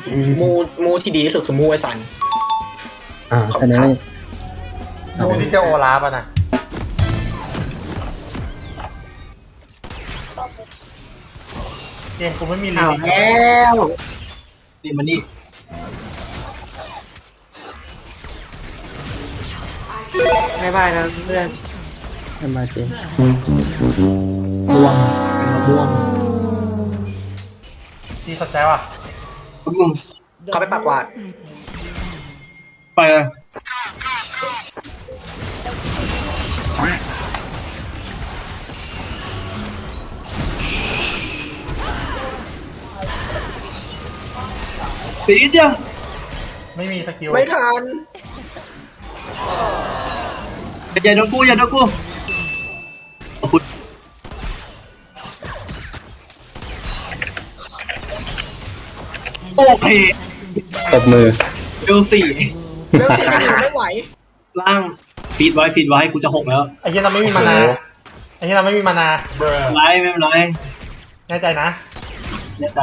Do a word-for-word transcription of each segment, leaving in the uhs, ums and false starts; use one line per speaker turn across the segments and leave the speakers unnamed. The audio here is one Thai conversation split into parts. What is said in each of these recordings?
มูมูที่ดีที่สุดคือมูไอซัน
อ่าแค่นั้น
มูที่เจ้าโอลาฟอะนะเกมกูไม่มีลิ
เอา
มิต
แล้ว
นี่มันนี่
บายบายนะเพื่อน
ทำมาเจม่วงม่วง
ที่สนใจว่ะ
คุณมึง
เขาไปปากวาด
ไปเลยสีเดียว
ไม่มีสกิล
ไม่ทัน
อย่าโดนกูอย่าโดนกูขอบคุณโอเค
ตบมือ
เบลสี่
เรื่องสิ่งที่ไม่ไหว
ล่างฟีดไว้ฟีดไว้กูจะหกแล้ว
ไอ้เหี้ยเราไม่มีมานาไอ้เหี้ยเราไม่มีมานา
ไรไม่เป็นไร
แน่ใจนะ
แน่ใจ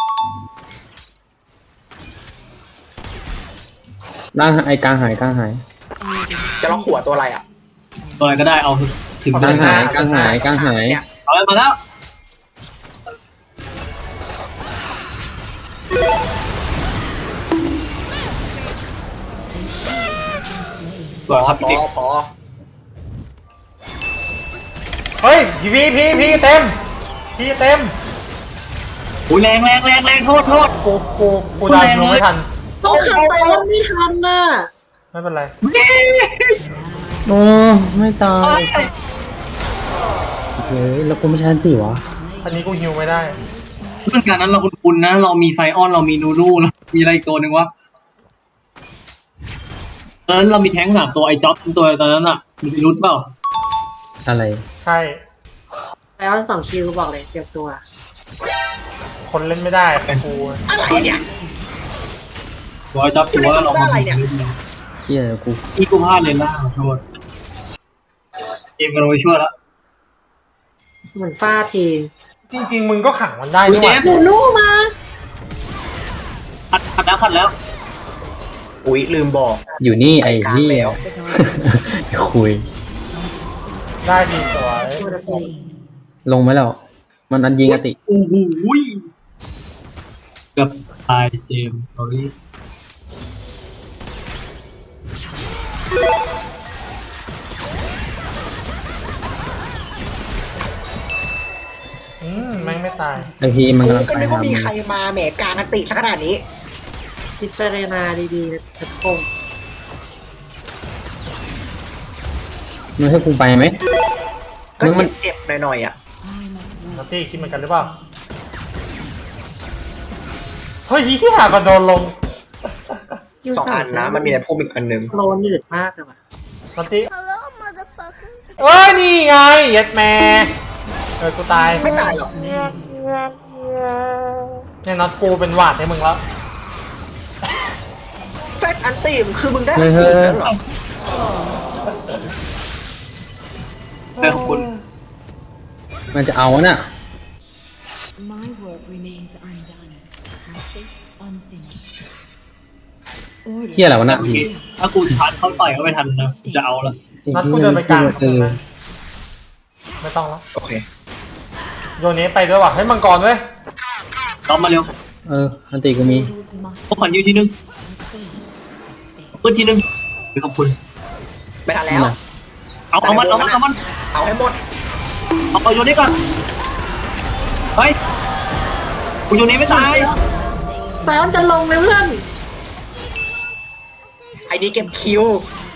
ร่างไอ้กลางหายกลางหาย
จะล็อกหัวตัวอะไรอ่ะ
ตัวอะไรก็ได้เอาถึง
กลางหายกลางหายกลางหาย
เนี่ย
เอาเลยมาแล้วสวยครับ
พ
พี่
อ
เด็ก
พอ
เฮ้ยพีพีพีพีเต็มพีเต็ม
อุ้ยแรงแรงแรงแรงโทษโทษ
กูกูกูดันรู้ไม่ทัน
ต้องทำไปว่าไม่ทันน่ะ
ไม่เป็นไร
โอ้ไม่ตายเฮ้ยแล้วกูไม่ใช่สิวะ
อันนี้กูฮิวไม่ได้
เรื่องการนั้นเราคุ้นๆนะ เรามีไซออนเรามีนูรูแล้วมีอะไรอีกตัวหนึ่งวะตอนนั้นเรามีแท้งสามตัวไอ้จ็อบตัวตอนนั้นอ่ะมีพิรุธเปล่า
อะไร
ใช่
แล้วสองคิวบอกเลยเตรียมตัว
คนเล่นไม่ได้กู
อะไรเนี่ย
ตัวไอ้จ็อบตัวเรามา
อะไรเนี่ย
เฮียกู
ที่กูพลาดเลยล่าขอโทษเกมกันไปช่วยแล้ว
เหมือนฟาที
จริง ๆ มึงก็ขังมันได้นี่หว่า
หนูนู่มา
ขัดขัดแล้วขัดแล้ว
อุ๊ยลืมบอก
อยู่นี่ไอ้เฮียคุย
ได้ดีสวย
ลงไหมแล้วมันอันยิงอติ
โอ้โหเกือบตายเจมส์ตอนนี้
อืมแม่งไม่ตาย
ไอพีมันกำลัง
ก็
ไป
นึก
หา
ว่ามี
มึง
ใครมาแหมกลางกันติสักขนาดนี้ พิจารณาดีๆนะทุกคน
มึงให้กูไปไหม
ก็
มึงมัน
เจ็บๆหน่อยๆอ่ะ
นัตตี้คิดเหมือนกันหรือเปล่า เฮ้ยที่หากระโดนลง
สองอันนะมันมีในพวกอีกอันหนึ่งโลนืดมากเลยว่ะ
นัตตี้เอ้ยนี่ไงเย็ดแม่เออกูตาย
ไม่ตายหรอก
เนี่ยน็อตกูเป็นหวาดให้มึงแล้ว
แฟกอันตีมคือมึงได้อันตีมแล้วเหรอ
แต่ของคุณ
มันจะเอาน่ะ
My work remains undone. My fate unfinished.
เฮียอะไรวะน่ะพี
ถ้ากูชาร์จเขาต่อยเขาไม่ทันนะจะเอาละ
น็อตกูเดินไปกลาง
เออ
ไม่ต้องแล้ว
โอเค
โยนนี้ไปด้วยว่ะให้มังกรด้วย
ต้อมมาเร็ว
เอออันติกูมี
Mortals must
พวกขวัญยูทีนึงเพื่อนทีนึงขอบคุณ
ไม่ทันแล้ว
เอาเอามันเอามันเอามัน
เอาให้หมด
เอาเอาโยนนี่ก่อนเฮ้ยกูโยนนี้ไม่ตาย
แซมจะลงเลยเพื่อนไอ้นี่เก็บคิว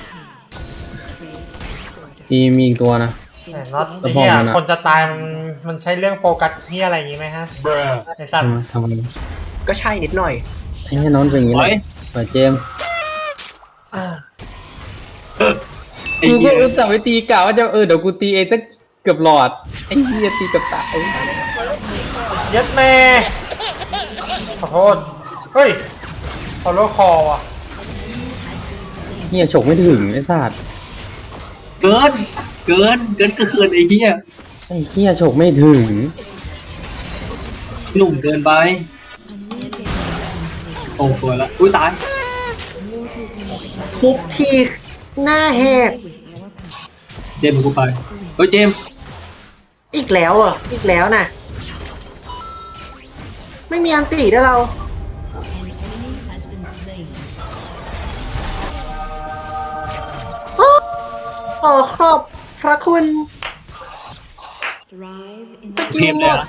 พีมีอีกตัวนะ
แต่น็อต
แต่
ไอ้
พอ
เหี้ย
มันอะ
คนจะตายมันมันใช้เรื่องโฟกัสเหี้ยอะไรอย่างงี้ไหมฮะไอ้สัตว์
ทำไม
ก็ใช่นิดหน่อย
ไอ้เฮียน้องเป็นอย่างนี้เลยเปิดเจมส์
ไอ้
กู
เหี้
ก็
ย
อุตส่าห์ไปตีกะว่าจะเออเดี๋ยวกูตีเองตั้งเกือบหลอดไอ้เฮียตีเกับตาย
เย็ดแม่ขอโทษเฮ้ยขอโลคอว่ะ
เฮียฉกไม่ถึงไอ้สัตว์
เกินเกินเกินก็เกินไอ้เหี้ย
ไอ้เฮียฉกไม่ถึง
หนุ่มเกินไปโอ้สวยแล้วอุ้ยตาย
Mortals never have
ทุบทีหน้าแหก
with our passion.
เจมส์กูไปเฮ้ยเจมส์
อีกแล้วเหรออีกแล้วน่ะ ไม่มีอันตีด้วยเรา
An enemy has been slain.
โอ้ขอขอบพระคุณ
Thrive in
ส
the
กิ
เท
ล
ม
ห
เล
ม
ย
ด
นะ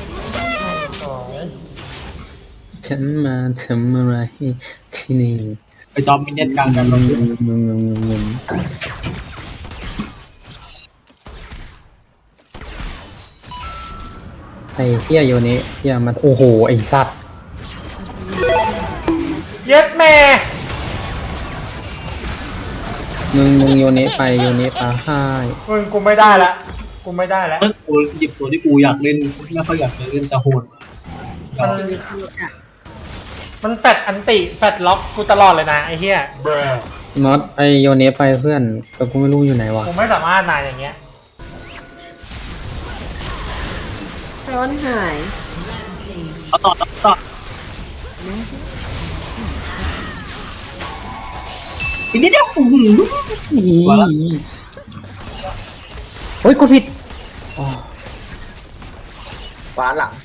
ฉันมาทำอะไรที่นี่
ไปจอมมินเน็ตกลางกัน
ง
เรา
งงงงงงงไอ้เฮียโยนี้เฮียมันโอ้โหไอ้สัตว์
เย็ดแม่
มึงมึงโยนี้ไปโยนี้ไปให้
มึงกูไม่ได้ละกูไม่ได้แล้ว
เออกูหยิบตัวที่กูอยากเล่นไม่ค่อยอยากเล่นแต่โหด
มัน มันแฟดอันติแฟดล็อกกูตลอดเลยนะไอ้เหี้ย
มอสไอโยนี้ไปเพื่อนแต่กูไม่รู้อยู่ไหนวะ
กูไม่สามารถนายอย่างเงี้ย
ร้อนหาย
เอาต่อต่อต่ออีกนิดเดียวอื้อหือ
อี
สวยละ
โอ้ยกดผิดอ๋อ
ขวาหลัง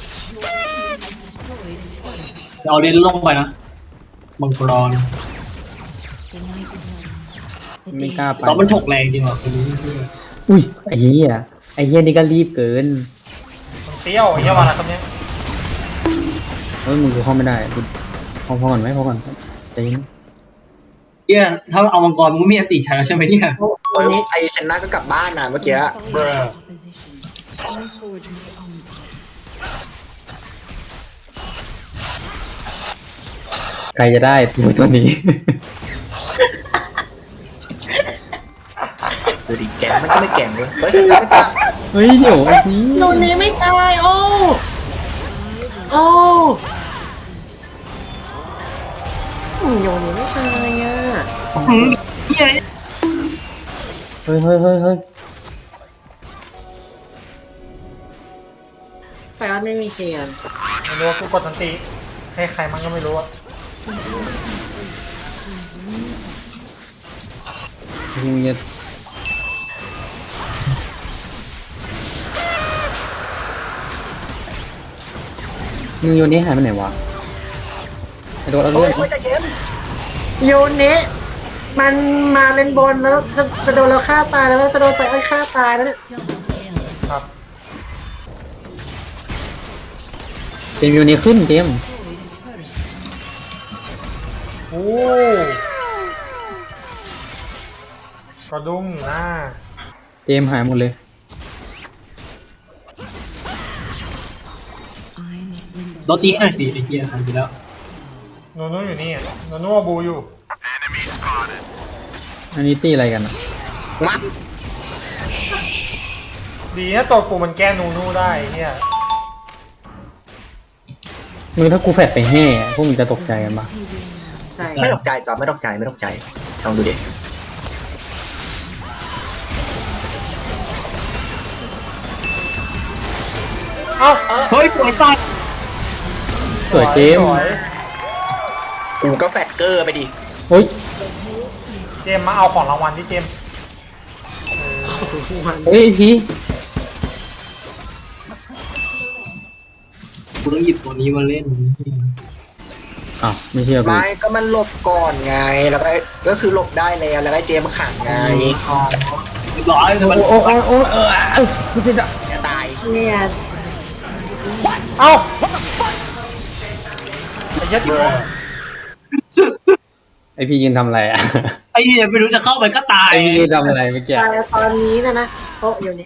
เอาเล่นลงไปนะมังกร
The night is long. The
ไม่
day
กล้าไป
ตอนมันฉกแรงจริงว่ะคนนี้
อุ้ยไอ้เหี้ยไอ้เหี้ยนี่ก็รีบเกิน
มันเปรี้ยวไอ้เหี้ยวันละคำเนี้ย
เฮ้ยมึงกูเข้าไม่ได้กูพอพอก่อนไหมพอก่อนใจเย็น
เฮียถ้าเอามังกรมึงมีอติใช้แล้วใช่ไหมเนี่ย
วันนี้ไอชนะก็กลับบ้านนะเมื่อกี้
follows opposition. I forge my own path.
ใครจะได้ตัวตัวนี้
ดูดิแกงมันก็ไม่แกงเลยเฮ้ยชนะไม่ตาย
เฮ้ยเดี๋ยวไอ้นี่
โดนนี้ไม่ตายโอ้โอ้อืมโยนนี้ไม่ตายอ่ะ
หืมเฮีย
เฮ้ยเฮ้ยเฮ้ยเฮ้ย
ไฟออนไม่มีเทียน
ไม่รู้ว่ากูกดอันติให้ใครมันก็ไม่รู้อะ
มึงจะมึงโยนนี้หายไปไหนวะไอ้ตัวเอา
โอ้
เรื่อย ง
โอ้ยใจเย็นโยนนี้มันมาเล่นบนแล้วจะจะโดนเราฆ่าตายแล้วจะโดนไฟออนฆ่าตายแล้วเนี่ย
ครับ
เกมโยนนี้ขึ้นเกม
โอ้กระดุมหน้า
เกมหายหมดเลย
I must bring the
โดนตีให้หน่อยสิไอ้เฮียทำไปแล้ว
โนโน่อยู่นี่อะโนโน่บูอยู่
อันนี้ตีอะไรกันอ่ะ
มา
ดีนะตัวกูมันแก้นูนูได้ไอ้เหี้ย
มึงถ้ากูแฟดไปแห่พวกมึงจะตกใจกันปะ
ใช่ไม่ตกใจจอมไม่ตกใจไม่ตกใจลองดูดิ
เอ้า
เฮ้ยปวดตาย
สวยเกม
สวย
กูก็แฟตเกอร์ไปดิ
เฮ้ย
เจมส์มาเอาของรางวัลที่เจมส์
เฮ้ยพี่
กูต้องหยิบตัวนี้มาเล่น
อ้าวไม่เชื่อกู
ไม่ก็มันหลบก่อนไงแล้วก็ก็คือหลบได้แล้วแล้วก็เจมขังไง
เรียบร้อยเลยมัน
โอ้โอ้โอ้โอ้เออเออกูจะจะ
จะตายเนี่ย
เอ้าไอ้เหี้ยที่กู
ไอพี่ยืนทำอะไรอ่ะ
ไอ้เฮียไม่รู้จะเข้าไปก็ตาย
ไอพี่ยืนทำอะไรเมื่อกี้
ตายตอนนี้นะนะโอ้โยนนี้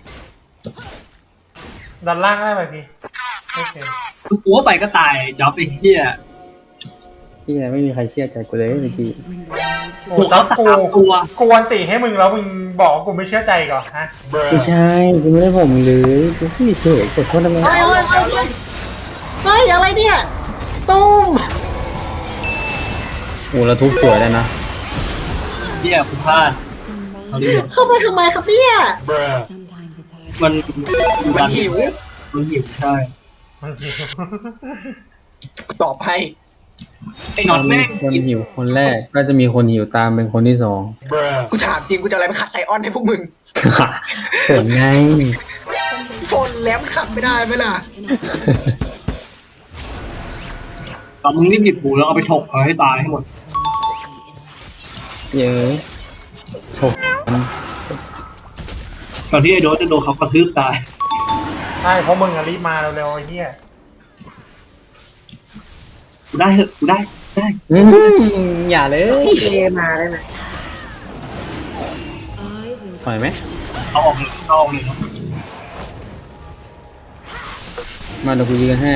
ดันล่างได้ไหมพี่โอเค
กูว่าไปก็ตายจ๊อบไอ้เฮีย
พี่ไม่มีใครเชื่อใจกูเลยเมื่อกี้
bring the light to
โอ้โหกูกูอันติให้มึงแล้วมึงบอกว่ากูไม่เชื่อใจก่อนฮะ
ไม่ใช่กูไม่ได้ผมเลยกูแค่เฉยกดโทษทำไม
เฮ้ยเฮ้ยเฮ้ยเฮ้ยอะไรเนี่ยตุ้ม
โอ้แล้วทุบสวยเลยนะ
เฮียกูพลาด
some
เอา
mind.
ดิ
เข้าไปทำไมครับเนี่ย
Sometimes it's hard.
มัน
มันหิว
มันหิวใช่
มันหิว
ตอบให้
ไอ้น็อตแม่ง
คนหิวคนแรกก็จะมีคนหิวตามเป็นคนที่สอง
กูถามจริงกูจะอะไรมาขัดไซออนให้พวกมึง
ผลไง
โฟนแล้วมันขัดไม่ได้ไหมล่ะ
ตอนมึงรีบหยิบปูแล้วเอาไปถกเขาให้ตายให้หมด
เยอะถก
ก่อนที่ไอ้โดสจะโดนเขากระทืบตาย
ใช่เพราะมึงอะรีบมาเร็วๆไอ้เหี้ย
กูได้เหอะกูได้ได้
อืมอย่าเลย
เอมาได้ไหม
I will
ปล่อยไหม
เอาออกเลยเอาออกเลยเนาะ
มาเดี๋ยวกูยืนให้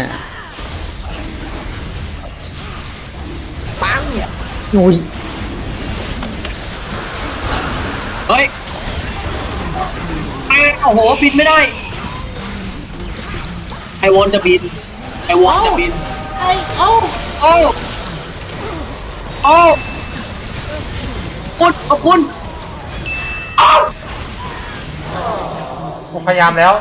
ปัง
โอ้ย
เฮ้ยไอ้โอ้โหบินไม่ได้ไอวอนจะบินไอวอนจะบิน
ไอ้โอ้
โอ้โอ้คุณขอบคุณ
กูพยายามแล้ว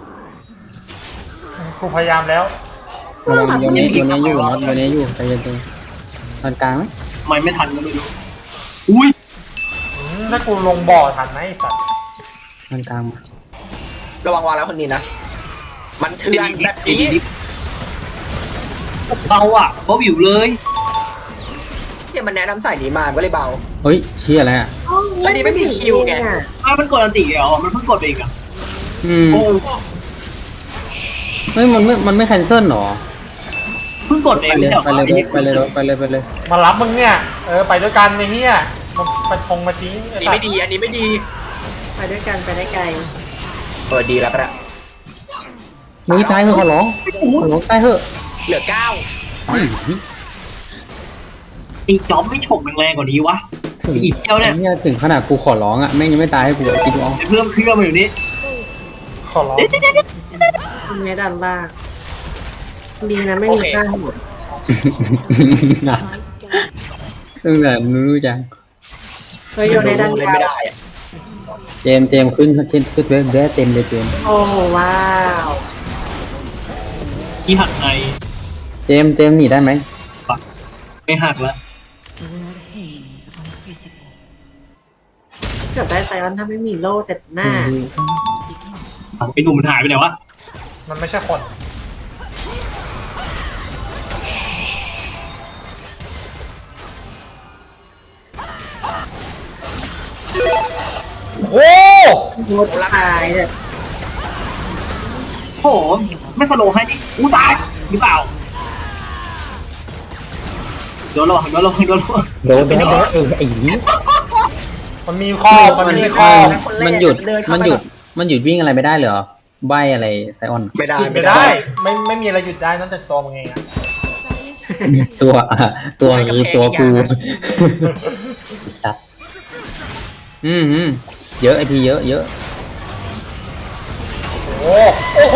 กูพยายามแล้ว
ระวังโยนนี้โยนนี้อยู่น็อตโยนนี้อยู่ใจเย็นๆตอนกลางไหม
ทำไมไม่ทันก็ไม่รู้อุ้ย
อืมถ้ากูลงบ่อทันไหมไอ้สัตว์
ตอนกลางมา
ระวังวางแล้วคนนี้นะ มันเถื่อนแบบนี้
เบาอ่ะเบาวิวเลย
ที่มันแนะนำสายนี้มามันก็เลยเบา
เฮ้ยเชี่ยอะไรอ่ะ
อันนี้ไม่มีคิวไง
อ้าวมันกดอันติเหรอมันเพิ่งกดไปอีกอ่ะ
อืม
โอ้
เฮ้ยมันไม่มันไม่แคนเซิลหรอ
เพิ่งกดเอ
ไป
ง
เล
ไม่
ย
ใช่เหรอ
ไปเลยไปเลยไปเลยไปเลย
มารับมึงเนี่ยเออไปด้วยกันไอ้เหี้ยมันไปทงมาทิ้ง
อั
ไอ้
นนี้
สัต
ไม่
ว์
ดี อันนี้ไม่ดี
ไปด้วยกันไปได้ไกล
เออดีแล้วก็ได้
มึงตายเถอะขอร้องขอร้องตายเถอะ
เหลือเก้า
อุ้ย
ไอ้จ๊อบไม่ฉกแรงๆกว่านี้วะ
ถึง
อีกเดียวเนี่ย
เนี่ยถึงขนาดกูขอร้องอ่ะแม่งยังไม่ตายให้กูคิดดูเอา
ไอ้เพิ่มเครื่องมาอยู่นี่
ขอร้อง
คุณแม่ดันล่างดีนะไม่มีข้างหมด
ตั้งแต่รู้จัง
เฮ้ยโยนในดัน
เลย
กลา
ไม่
ง
ได้อะ
เจมส์เจมส์ขึ้นขึ้นขึ้นเว็บแวะเต็มเลยเจมส์
โอ้ว้าว
ที่หักใน
เจมส์เจมส์หนีได้ไหม
ปักไม่หักแล้ว
the world hangs on a precipice.
เกือบได้ไซออนถ้าไม่มีโล่เสร็จหน้า
ไอ้หนุ่มมันหายไปไหนวะ
มันไม่ใช่คน โอ้
โคตรตายเนี่ย
โอ้โหไม่สโลว์ให้นี่กูตายหรือเปล่าโดนระวังโดนระวังโดนระวัง
โดนโดนโดนเออไอ้นี่
มันมีข้อมันมีข้อ
มันหยุดมันหยุดมันหยุดวิ่งอะไรไม่ได้เหรอใบอะไรไซออน
ไม่ได้
หยุดไม่ได้ ไม่ไม่มีอะไรหยุดได้นอกจากตัวมึงเองอะ
ตัวอ่ะตัวคือตัวกูจัดอืมอืมเยอะไอพีเยอะเยอะ
โอ้โอ้โห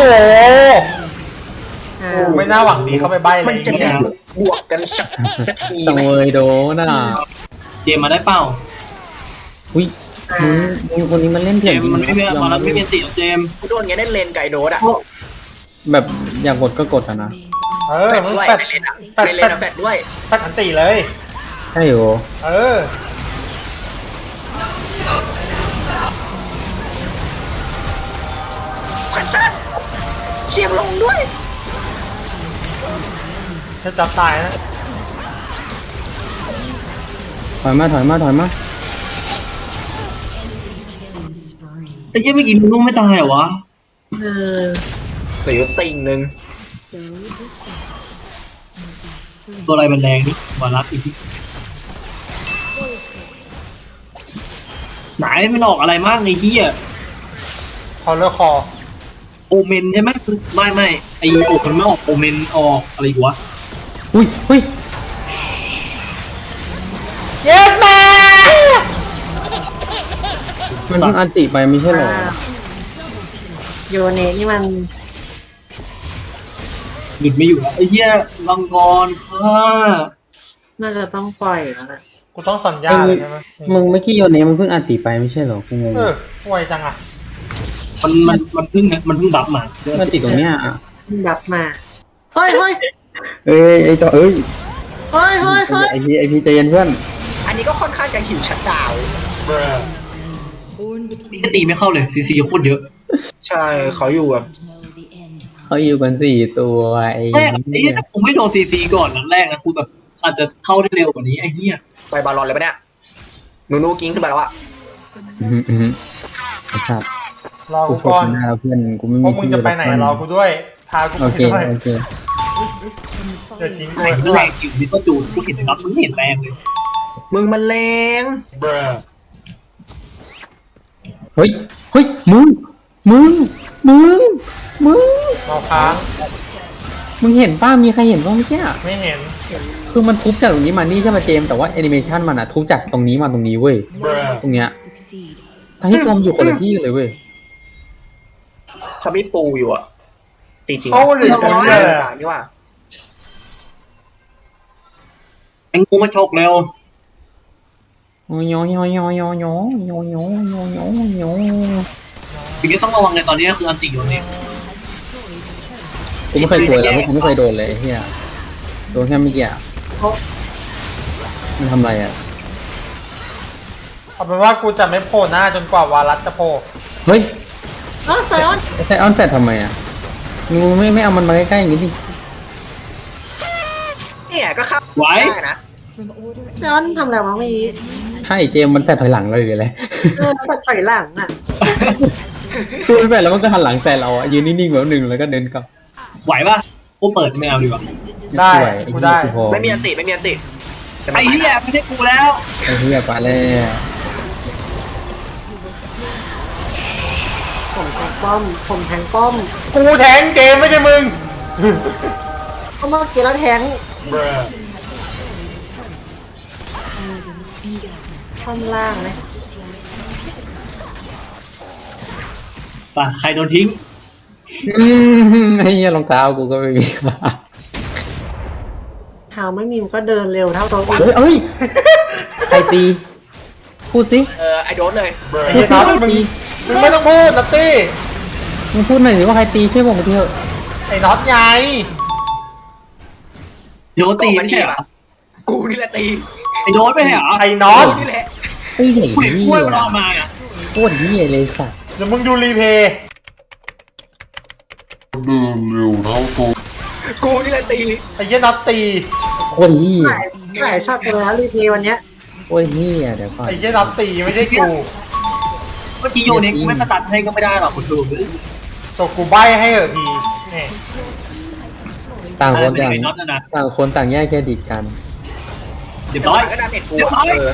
อ้า
กู
ว
ไม่น่าหวังดีเข้าไปใบ้เล
มัน
ย
จะ
เนี่
ได้
ย
หยุดบวกกันสักนาที
ตัง
ไหม
เวยโดนอ่ะ
เจมมาได้เปล่า
อุ้ยมึงมึงคนนี้มันเล่น
เจ
เถื่อน
ม
จริง
มันไม่มี
ยอ
มาแล้ว
รับ
ไม่มีติเจม
กูโดนอย่างนี้ได้เลนไก่โดดอ่ะ
แบบอยากกดก็กดอ่ะนะ
เออ
แฟด
มึง
ด้วย
แปด
ในเลนอ่ะ
แปด
ในเล
แป
น
ด
อะแฟดด้วย
แปดอันตีเลย
ใช่โห
เออ
ขวัญสั้นเชียงลงด้วย
จะจับตายนะ
ถอยมาถอยมาถอยมา
Spring.
ไอ้เหี้ยเมื่อกี้มึงนุ่มไม่ตายเหรอวะ
เออ
เหลือติ่งหนึ่ง
So defeated.
ตัวอะไรมันแรงนี่วารัสอีกทีไหนมันออกอะไรมากในที่อ่ะ
คอเลอร์คอ
โอเมนใช่ไหมไม่ไม่ไอโอกมันไม่ออกโอเมนออกอะไรวะ
อุ้ยอุ้ย
เย็ดแม่
มันเพิ่งอันติไปไม่ใช่เหรอ
ว้าวโยเนนี่มัน
หยุดไม่อยู่แล้วไอ้เหี้ยลังกรค่ะ
น่าจะต้องปล่อยแล้วแหละ
กูต้องสัญญา
เอ้ย
เลยใช่ไหม
มึงเมื่อกี้โยนเนี้มันเพิ่งอันติไปไม่ใช่เหรอกูงง
เออไวจังอ่ะ
มันมันมันเพิ่งมันเพิ่งบัฟมา
มันติดตรงเนี้ยอ่ะ
ดับมา เฮ้ยเฮ้ย
เอ้ยไอ้ต่อเอ้ย
เฮ้ยเฮ้ยเฮ้ย
ไอพีไอพีใจเย็นเพื่อน
อันนี้ก็ค่อนข้างจะหิวชัดดาวน์
Born between
นี่ก็ตีไม่เข้าเลยซีซีโคตรเยอะ
ใช่เขาอยู่แบบ
know the end.
เขาอยู่กันสี่ตัวไอ้
แรกไอ้เหี้ยถ้าผมไม่โดนซีซีก่อนนัดแรกนะกูแบบอาจจะเข้าได้เร็วกว่านี้ไอ้เหี้ย
ไปบอลลอนเลยปะเนี่ยหนูนูกิ้งขึ้นมาแล้วอะ
อืมอืมไอ้สัตว์
รอ
กู
กู
โค
ก่
ต
อน
รหน้าแล้วเพื่อนกูไม่
พ
มี
วกมึงจะไปไหนรอกูด้วยพากู
โอ
ไป
เค
ด้วย
โอเค
เดี๋ยวทิ้งกู
ไอ้
ไว้ข้าง
แร
หลั
ง
ง
อยู่นี่ก็จูนกูเห็นนะครับมึงเห็นแรงเลย
มึงมันแรง
เฮ้ยเฮ้ยมึงมึงมึงมึง
รอค้าง
มึงเห็นป้ามีใครเห็นบ้างเมื่อกี้อะ
ไม่เห็น
คือมันทุบจากตรงนี้มานี่ใช่ไหมเจมส์แต่ว่าแอนิเมชันมันอะทุบจากตรงนี้มาตรงนี้เว้ยตรงเนี้ย
Succeed.
ทั้งที่ตัวมันอยู่คนละที่เลยเว้ย
เขาไม่ปูอยู่อะจริงๆ
เขาหรือ
เขา
จะ
ไม่
เลื
ได้
อก
ต่างนี่ว่า
ไอ้งูมาฉกเร็ว
โอ้ยโยโยโยโยโยโยโยโยโยโย
สิ่งที่ต้องระวังในตอนนี้ก็คืออันติโยนี่
กูไม่เคยโดนแล้วกูไม่เคยโดนเลยไอ้เฮียโดนแค่เมื่อกี้อะมันทำอะไรอะ
เอาเป็นว่ากูจะไม่โผล่หน้าจนกว่าวารัสจะโผล่
เฮ้ย
เออไซออน
ไอ้ไซออนแฟดทำไมอะมึงไม่ไม่เอามันมาใกล้ๆอย่างนี้ดิ
เนี่ยก็เข้า
ไหว
ได้นะ
From order
ไซออนทำอะไรวะเมื่อกี้
ใช่เจมส์มันแฟดถอยหลังเลยหรืออะไร
เออแบบถอยหลังอ่ะ
คือมันแฟดแล้วมันก็หันหลังใส่เราอะยืนนิ่งๆแบบหนึ่งแล้วก็เดินกลับ
ไหวปะกูเปิดไม่เอาดีกว่า
ได้
สวยอ้
กู
เหี้ย
ได้
พอ
ไม่มีอันติไม่มีอันติแต่
ไอ้
ไม่
เหี้ยไม่ใช่กูแล้ว
ไอ้เฮียปะแล้ว
ผมแทงป้อม ผมแทงป้อม
กูแทงเกมไม่ใช่มึง
ก็เมื่อกี้แล้วแทง
in darkness.
ท่อนล่างเลย
ป่ะใครโดนทิ้ง
อืมไอ้เฮียรองเท้ากูก็ไม่มี
เท้าไม่มีมันก็เดินเร็วเท่าตัวอื่น
เฮ้ยเอ้ยใครตีพูดสิ
เออไอโดนเลย
ไอ้เหี้ยน็อตมึงมึงไม่ต้องพูดนัตตี้
มึงพูดหน่อยสิว่าใครตีช่วยบอกมาทีเถอะ
ไอ้น็อตไง
โดนตีไม่ใช่เหรอ
กูนี่แหละตี
ไอ้โดนไม่ใช่เหรอ
ไอ้น็อต
กูนี่แหละ
ไอ้เด็ก
กูเห็น
นี่
กล้วยมันอ
ว่ะ
อกมาอ่ะ
โคตรเฮียเลยสัตว์
เดี๋ยวมึงดูรีเพย์
กูนี่แหละตี
ไอ้เหี้ยน็อตตี
โคตรเฮีย
หลายหลายช็อตเลยนะรีเพย์วันเนี้ย
โคตรเฮียเดี๋ยวก่อน
ไอ้เหี้ยน็อตตีไม่ใช่กู
เมื่อกี้โยนี่กูไม่สตัดให้ก็ไม่ได้หรอกคุณดู
ตัวกูใบให้เหอะทีนี่
ต่าง
อะ
ค
ไร
น
เป็น
ต่าง
ไอ้น็อตนะนะ
ต่างคนต่างแยกเครดิตกัน
เรียบร้อย
ก็ดาเมจกู
เรียบร้
อะ
อย
เออ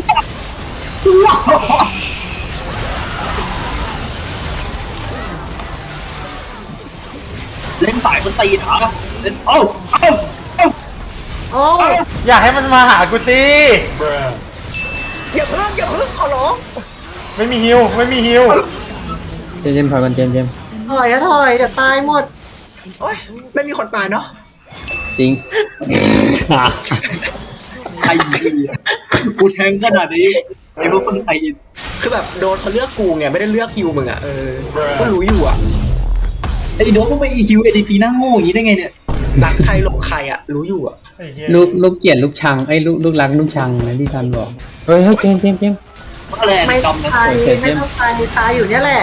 เล่นสายมันตีเหรอเล่นเอ้าเอ้าเอ้า
โอ้
อย่าให้มันมาหากูสิ
อย่าเพิ่งอย่าเพิ่งขอร้อง
ไม่มีฮิวไม่มีฮิว
เจมส์เจมส์ถอยมันเจมส์เจมส์
ถอยอะถอย เดี๋ยวตายหมด
โอ๊ยไม่มีคนตายเนาะ
จริง
ใครยิงกูแทงขนาดนี้ไอ้พวกคนไทยยิง
คือแบบโดนเขาเลือกกูไงไม่ได้เลือกฮิวมึงอะเออก็รู้อยู่อะ
ไอ้โดนมึงไปฮิวเอดีซีหน้าโง่อย่างนี้ได้ไงเนี่ย
รักใครหลงใครอะรู้อยู่อะ
ไอ้เหี้ย
ลูกลูกเกลียดลูกชังไอ้ยลูกลูกรักลูกชังนะที่ทันบอกเฮ้ยเฮ้ยเจมส์เจมส์เจมส์
ว่าอะไร
ไม่
จ
ต้อง
อมนะ
ตายไม่ต้องตายตายอยู่เนี่ยแหละ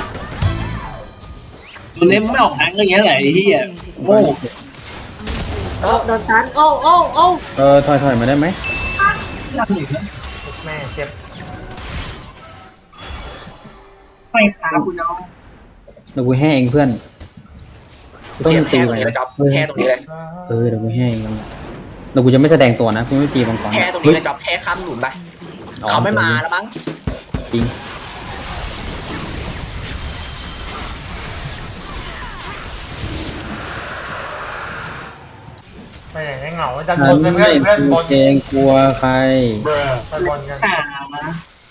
ตัวเล่มไม่ออกแทงก็อย่างเงี้ยแหละไอ้ที่โง่
โอ้โดนตันโอ้โอ้โอ้
เออถอยถอยมาได้ไหม
แม่เจ็บ
ไปขาคุณน้อง
เดี๋ยวกูแห้เองเพื่อนต้อง
เจ็บ
ตี
แพ้ต
ไป
รงนี้เลยจ๊อบแพ้ตรงนี้เลย
เออเดี๋ยวกูแห้เองเดี๋ยวกูจะไม่แสดงตัวนะกูไม่ตีมังกร
แพ้ตรงนี้เลยจ๊อบแพ้ข้ามหนุนไปเขาไม่มาแล้วมั้ง
จริง
ไม่อย่างนี้เหงาดันบ
ฉัน
นเพื่
ไม่
อนเพื่อนบน
เกรงกลัวใคร
ไปบนกัน
ขามา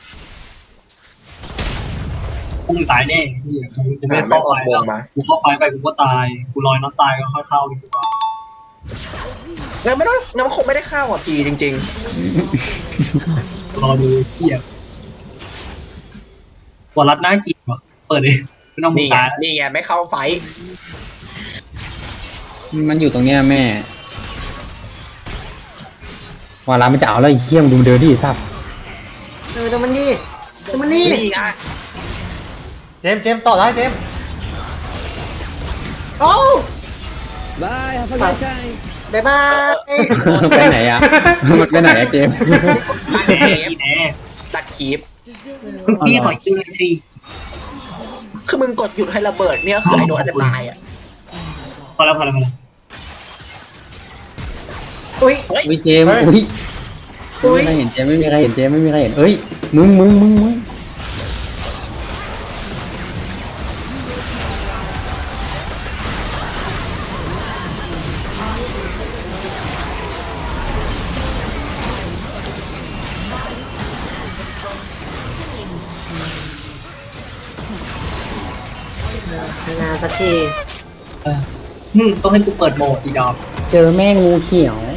กูตายแน่ที่กูจะไม่
ไม่
เข้า
ออ
ไฟ
กว
แล้ว
งมา
กูเข้าไฟไปกูก็ตายกูลอยน้ำตายก็ค่อยเข้าดีกว่า
งั้นไม่ต้องงั้นมันคงไม่ได้เข้าอ่ะพีจริง
รอดูเที่ยกว่ารัดหน้ากินวะเปิดเลยไม่ต้อง
ๆ
มึ
นี่
ง
ไง
ตาย
นี่ไงไม่เข้าไฟ
มันอยู่ตรงเนี้ยแม่วาลาไม่จะเอาแล้วไอ้เหี้ยมงดูมันเดินดิสับ
เออเดี๋ยวมันนี่เดี๋ยวมันนี่
นี่ไง
เจมส์เจมส์ต่อได้เจมส์
โอ้
บายครับพ่อชาย
บายบาย
ไปไหนอ่ะมันไปไหนอะเจมส์
ตัด
แห
คลิป
มแหม
ตัดคลิป
คุณพี่ขอคิวเลยสิ
คือมึงกดหยุดให้ระเบิดเนี่ยคือไอ้โดนอาจจะตายอ่ะ
พอแล้วพอแล้วพอแล้ว
อุ้ย
เฮ้ย
อุ้ยเจมส์อุ้ยไม่มีใครเห็นเจมส์ไม่มีใครเห็นเจมส์ไม่มีใครเห็นเอ้ยมึงมึงมึงมึง
งานสักที
อืมต้องให้กูเปิดโหมดอีดอม
เจอแม่งูเขียว